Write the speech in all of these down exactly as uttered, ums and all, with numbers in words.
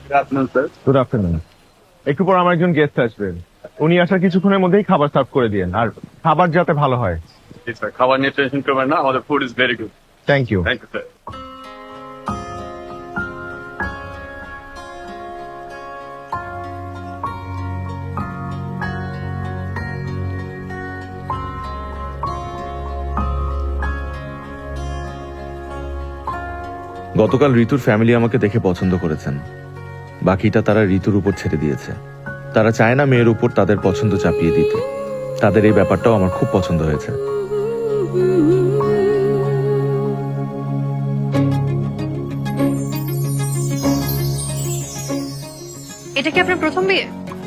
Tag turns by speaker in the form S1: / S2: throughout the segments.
S1: Good afternoon. একটু পর আমার একজন গেস্ট আসবেন, উনি আসার কিছুক্ষণের মধ্যেই খাবার সার্ভ করে দিয়েন, আর খাবার যাতে ভালো হয়।
S2: খাবার নিয়ে টেনশন করবেন না, আমাদের food is very good.
S1: Thank you.
S2: Thank you sir.
S3: গতকাল ঋতুর ফ্যামিলি আমাকে দেখে পছন্দ করেছেন, বাকিটা তারা ঋতুর উপর ছেড়ে দিয়েছে। তারা চায় না মেয়ের উপর তাদের পছন্দ চাপিয়ে দিতে। তাদের এই ব্যাপারটাও আমার খুব পছন্দ হয়েছে।
S4: এটা কি আপনার প্রথম বিয়ে?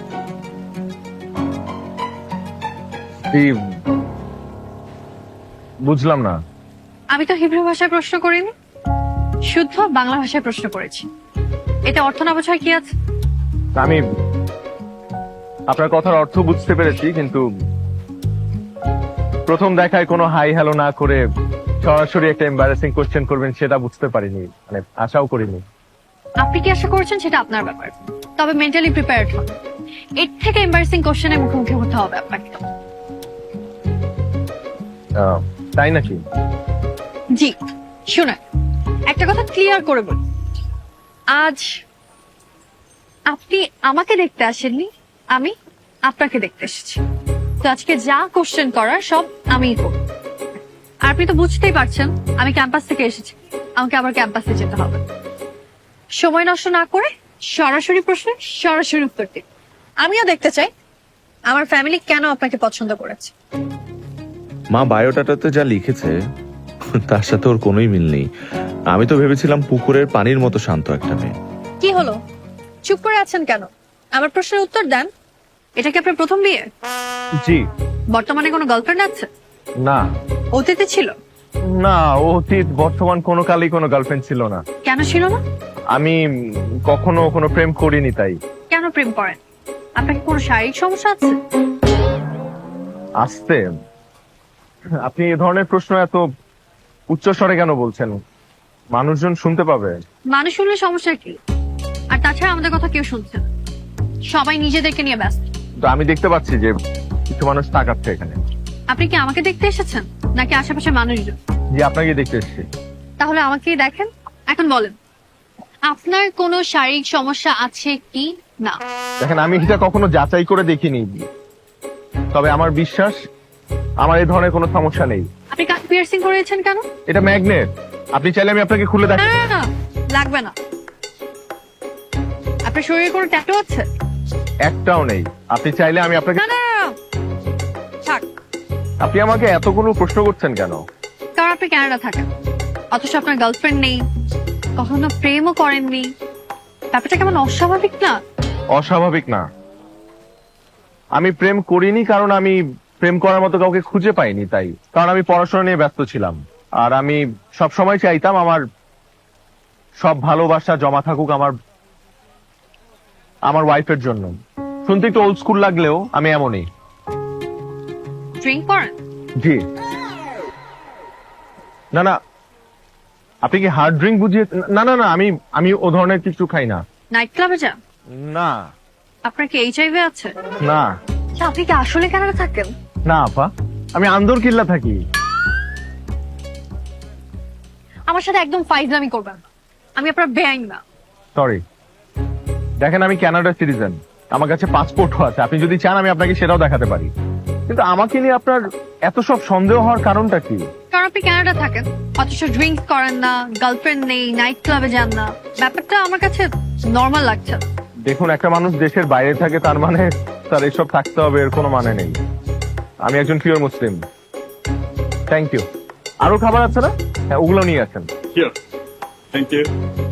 S1: বুঝলাম না।
S4: আমি তো হিব্রু ভাষায় প্রশ্ন করিনি, শুদ্ধ বাংলা ভাষায় প্রশ্ন করেছি। এতে অর্থ না বোঝার কি আছে?
S1: আমি আপনার কথার অর্থ বুঝতে পেরেছি, কিন্তু প্রথম দেখায় কোনো হাই হ্যালো না করে সরাসরি একটা এম্বারাসিং কোশ্চেন করবেন সেটা বুঝতে পারিনি, মানে আশাও করিনি।
S4: আপনি কি আশা করছেন সেটা আপনার ব্যাপার, তবে মেন্টালি প্রিপেয়ার্ড হন। এর থেকে এম্বারাসিং কোশ্চেনের মুখোমুখি হতে হবে আপনাকে।
S1: আহ, তাই নাকি?
S4: জি শুনে একটা কথা ক্লিয়ার করে বলি, আজ আপনি আমাকে দেখতে আসেননি, আমি আপনাকে দেখতে এসেছি। তো আজকে যা কোশ্চেন করার সব আমিই করব। আর আপনি তো বুঝতেই পারছেন আমি ক্যাম্পাস থেকে এসেছি, আমাকে আবার ক্যাম্পাসে যেতে হবে। সময় নষ্ট না করে সরাসরি প্রশ্নে সরাসরি উত্তর দিন। আমিও দেখতে চাই আমার ফ্যামিলি কেন আপনাকে পছন্দ করেছে।
S3: মা বায়োডাটাতে যা লিখেছে তার সাথে ওর কোনোই মিল নেই। আমি তো ভেবেছিলাম পুকুরের পানির মতো শান্ত একটা মেয়ে।
S4: কি হলো, চুপ করে আছেন কেন? আমার প্রশ্নের উত্তর দেন। এটা কি আপনার প্রথম বিয়ে?
S1: জি।
S4: বর্তমানে কোনো গার্লফ্রেন্ড আছে?
S1: না।
S4: অতীতে ছিল?
S1: না, অতীত বর্তমান কোনো কালেই কোনো গার্লফ্রেন্ড ছিল না।
S4: কেন ছিল না?
S1: আমি কখনো কোনো প্রেম করিনি। তাই।
S4: কেন প্রেম করেন? আপনার কি কোনো শারীরিক সমস্যা আছে?
S1: আসতে আপনি এ ধরনের প্রশ্ন এত উচ্চ স্বরে কেন বলছেন? মানুষজন শুনতে পাবে।
S4: মানুষ শুনলে সমস্যা কি? আর তাছাড়া আমাদের কথা কেউ শুনছে না, সবাই নিজেদেরকে নিয়ে ব্যস্ত।
S1: তো আমি দেখতে পাচ্ছি যে কিছু মানুষ তাকাচ্ছে এখানে।
S4: আপনি কি আমাকে দেখতে এসেছেন নাকি আশেপাশে মানুষজন?
S1: জি, আপনাকে দেখতে এসেছি।
S4: তাহলে আমাকেই দেখেন। এখন বলেন আপনার কোনো শারীরিক সমস্যা আছে কি না?
S1: দেখেন, আমি এটা কখনো যাচাই করে দেখিনি, তবে আমার বিশ্বাস আমার এই ধরনের কোনো সমস্যা নেই।
S4: আপনি কান পিয়ার্সিং করেছেন কেন?
S1: এটা ম্যাগনেট, আপনি চাইলে আমি আপনাকে খুলে
S4: না
S1: দেখাই।
S4: না না, লাগবে না। আপনার শরীরে কোনো ট্যাটু আছে?
S1: একটাও নেই। আপনি চাইলে আমি আপনাকে।
S4: না না না, থাক।
S1: আপনি আমাকে এতগুলো প্রশ্ন করছেন কেন?
S4: কারণ আপনি কানাডা থাকেন, অথচ আপনার গার্লফ্রেন্ড নেই, কখনো প্রেমও করেননি। ব্যাপারটা কেমন অস্বাভাবিক না?
S1: অস্বাভাবিক না। আমি প্রেম করিনি কারণ আমি প্রেম করার মতো কাউকে খুঁজে পাইনি, তাই। কারণ আমি পড়াশোনা নিয়ে ব্যস্ত ছিলাম, আর আমি সব সময় চাইতাম আমার সব ভালোবাসা জমা থাকুক আমার আমার ওয়াইফের জন্য। শুনতে একটু ওল্ড স্কুল লাগলেও আমি এমনই।
S4: ড্রিঙ্ক করেন?
S1: জি। না না, আপনি কি হার্ড ড্রিঙ্ক বুঝিয়ে? না না না, আমি আমি ও ধরনের কিছু খাই না।
S4: নাইট ক্লাবে যান?
S1: না।
S4: আপনার কি এইচআইভি আছে?
S1: না।
S4: আচ্ছা, আপনি কি আসলে কানাডা থাকেন?
S1: না আপা, আমি আন্দর কিল্লা থাকি।
S4: আমার সাথে একদম ফাইজলামি করবেন না, আমি আপনার বেআইন না।
S1: সরি। দেখেন, আমি কানাডার সিটিজেন, আমার কাছে পাসপোর্টও আছে। আপনি যদি চান আমি আপনাকে সেটাও দেখাতে পারি। কিন্তু আমাকে নিয়ে আপনার এত সব সন্দেহ হওয়ার কারণটা কি?
S4: কারণ আপনি কানাডা থাকেন, অথচ ড্রিঙ্ক করেন না, গার্লফ্রেন্ড নেই, নাইট ক্লাবে যান না। ব্যাপারটা আমার কাছে নর্মাল লাগছে।
S1: দেখুন, একটা মানুষ দেশের বাইরে থাকে তার মানে তার এসব থাকতে হবে এর কোনো মানে নেই। আমি একজন পিওর মুসলিম। Thank you. আরো খাবার আছে না? হ্যাঁ, ওগুলো নিয়ে আসেন।
S2: Thank you.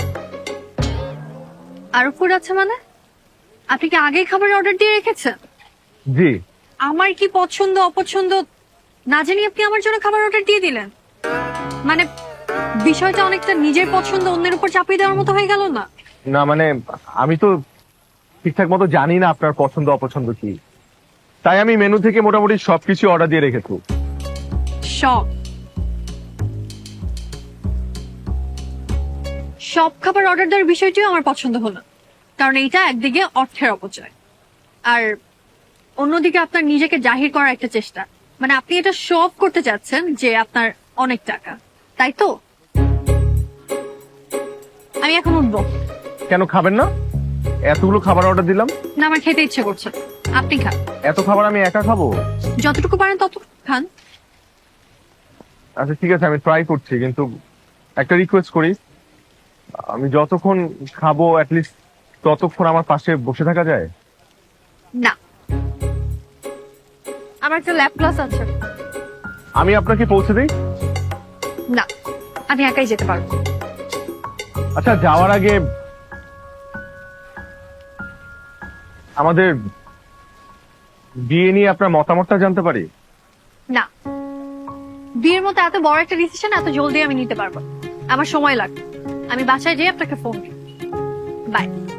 S4: আরো ফুড আছে মানে? আপনি কি আগেই খাবার অর্ডার দিয়ে রেখেছেন?
S1: জি।
S4: আমার কি পছন্দ অপছন্দ না জানি আপনি আমার জন্য খাবার অর্ডার দিয়ে দিলেন? মানে বিষয়টা অনেকটা নিজের পছন্দ অন্যের উপর চাপিয়ে দেওয়ার মতো হয়ে গেল না?
S1: না মানে আমি তো ঠিকঠাক মতো জানি না আপনার পছন্দ অপছন্দ কি, তাই আমি মেনু থেকে মোটামুটি সবকিছু অর্ডার দিয়ে রেখেছি।
S4: সব সব খাবার অর্ডার দেওয়ার বিষয়টিও আমার পছন্দ হলো, কারণ এইটা একদিকে অর্থের অপচয়, আর অন্যদিকে আপনার নিজেকে জাহির করার একটা চেষ্টা। মানে আপনি এটা শো অফ করতে চাচ্ছেন যে আপনার অনেক টাকা, তাই তো? আমি এখন উঠবো।
S1: কেন খাবেন না? এতগুলো খাবার অর্ডার দিলাম।
S4: না, আমার খেতে ইচ্ছে করছে, আপনি খান।
S1: এত খাবার আমি একা খাবো?
S4: যতটুকু পারেন ততটুকু খান।
S1: আচ্ছা ঠিক আছে, আমি ট্রাই করছি, কিন্তু একটা রিকোয়েস্ট করি, আমি যতক্ষণ খাবো অ্যাটলিস্ট ততক্ষণ আমার পাশে বসে থাকা যায়?
S4: না, আমার একটা ল্যাব ক্লাস আছে।
S1: আমি আপনাকে পৌঁছে দিই?
S4: না, আমি একাই যেতে পারবো।
S1: আচ্ছা, যাওয়ার আগে আমাদের বিয়ে নিয়ে আপনার মতামতটা জানতে পারি?
S4: না, বিয়ের মতো এত বড় একটা ডিসিশন এত জলদি আমি নিতে পারবো না। আমার সময় লাগবে। আমি বাসায় যেয়ে আপনাকে ফোন দিই। বাই।